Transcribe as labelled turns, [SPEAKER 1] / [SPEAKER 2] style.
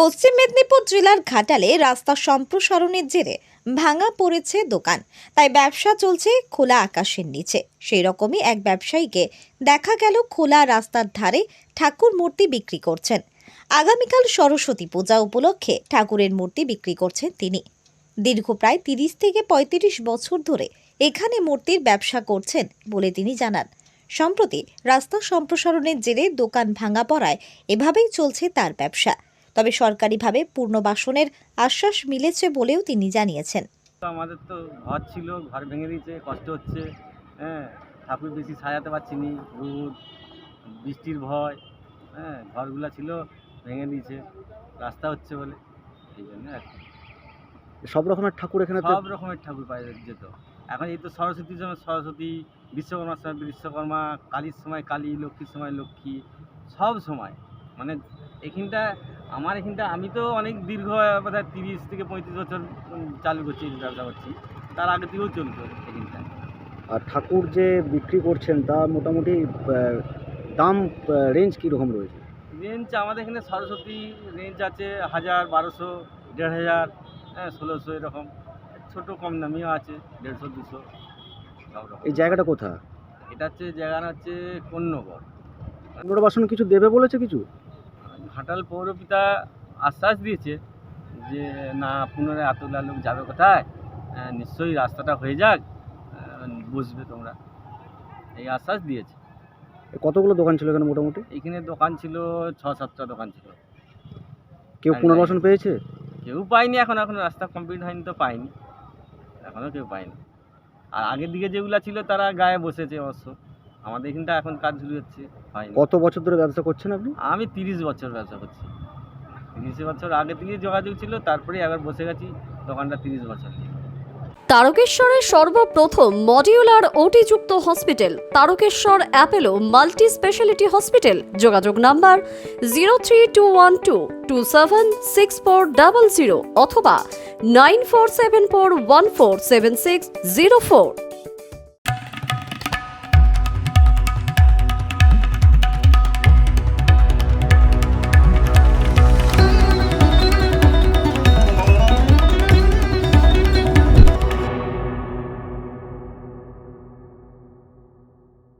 [SPEAKER 1] পশ্চিম মেদিনীপুর জেলার ঘাটালে রাস্তা সম্প্রসারণের জেরে ভাঙা পড়েছে দোকান, তাই ব্যবসা চলছে খোলা আকাশের নিচে। সেই রকমই এক ব্যবসায়ীকে দেখা গেল খোলা রাস্তার ধারে ঠাকুর মূর্তি বিক্রি করছেন। আগামীকাল সরস্বতী পূজা উপলক্ষে ঠাকুরের মূর্তি বিক্রি করছেন তিনি। দীর্ঘ প্রায় 30 থেকে 35 বছর ধরে এখানে মূর্তির ব্যবসা করছেন বলে তিনি জানান। সম্প্রতি রাস্তা সম্প্রসারণের জেরে দোকান ভাঙা পড়ায় এভাবেই চলছে তার ব্যবসা। তবে সরকারিভাবে পুনর্বাসনের আশ্বাস মিলেছে বলেও তিনি জানিয়েছেন।
[SPEAKER 2] আমাদের তো ঘর ছিল, ঘর ভেঙে দিয়েছে, কষ্ট হচ্ছে। ঠাকুর বেশি সাজাতে পারছি নি, রোদ বৃষ্টির ভয়। ঘরগুলা ছিল ভেঙে দিয়েছে, রাস্তা হচ্ছে বলে এই জন্য আর কি।
[SPEAKER 3] সব রকমের ঠাকুর এখানে
[SPEAKER 2] সব রকমের ঠাকুর পাওয়া যেত। এখন এই তো সরস্বতীর সময় সরস্বতী, বিশ্বকর্মার সময় বিশ্বকর্মা, কালীর সময় কালী, লক্ষ্মীর সময় লক্ষ্মী, সব সময় মানে এখানটা আমি তো অনেক দীর্ঘ বোধহয় 30 থেকে 35 বছর চালু করছি, ব্যবসা করছি। তার আগে থেকেও চলতো এখানটা।
[SPEAKER 3] আর ঠাকুর যে বিক্রি করছেন তা মোটামুটি দাম রেঞ্জ কীরকম রয়েছে?
[SPEAKER 2] রেঞ্জ আমাদের এখানে সরস্বতী রেঞ্জ আছে 1000, 1200, 1500, 1600 এরকম। ছোটো কম দামিও আছে 150, 200 সব রকম।
[SPEAKER 3] এই জায়গাটা কোথায়?
[SPEAKER 2] এটা হচ্ছে জায়গাটা হচ্ছে কন্যগর।
[SPEAKER 3] পুনর্বাসন কিছু দেবে বলেছে কিছু?
[SPEAKER 2] ঘাটাল পৌরপিতা আশ্বাস দিয়েছে যে না, পুনরায় এতগুলা লোক যাবে কোথায়, নিশ্চয়ই রাস্তাটা হয়ে যাক, বসবে তোমরা, এই আশ্বাস দিয়েছে।
[SPEAKER 3] কতগুলো দোকান ছিল এখানে মোটামুটি?
[SPEAKER 2] এইখানে দোকান ছিল 6-7টা দোকান ছিল।
[SPEAKER 3] কেউ পুনর্বাসন পেয়েছে?
[SPEAKER 2] কেউ পায়নি, এখন রাস্তা কমপ্লিট হয়নি তো পায়নি, এখনও কেউ পায়নি। আর আগের দিকে যেগুলো ছিল তারা গায়ে বসেছে অবশ্য। আমাদের এখানটা এখন কাজ শুরু হচ্ছে, হয়নি।
[SPEAKER 3] কত বছর ধরে ব্যবসা করছেন আপনি?
[SPEAKER 2] আমি 30 বছর ব্যবসা করছি। 30 বছর আগে থেকে যোগাযোগ ছিল, তারপরে আবার বসে গেছি দোকানটা 30 বছর।
[SPEAKER 4] তারকেশ্বরের সর্বপ্রথম মডিউলার ওটি-যুক্ত hospital Tarakeswar Apollo multi speciality hospital. যোগাযোগ নাম্বার 03212276400 অথবা 9474147604।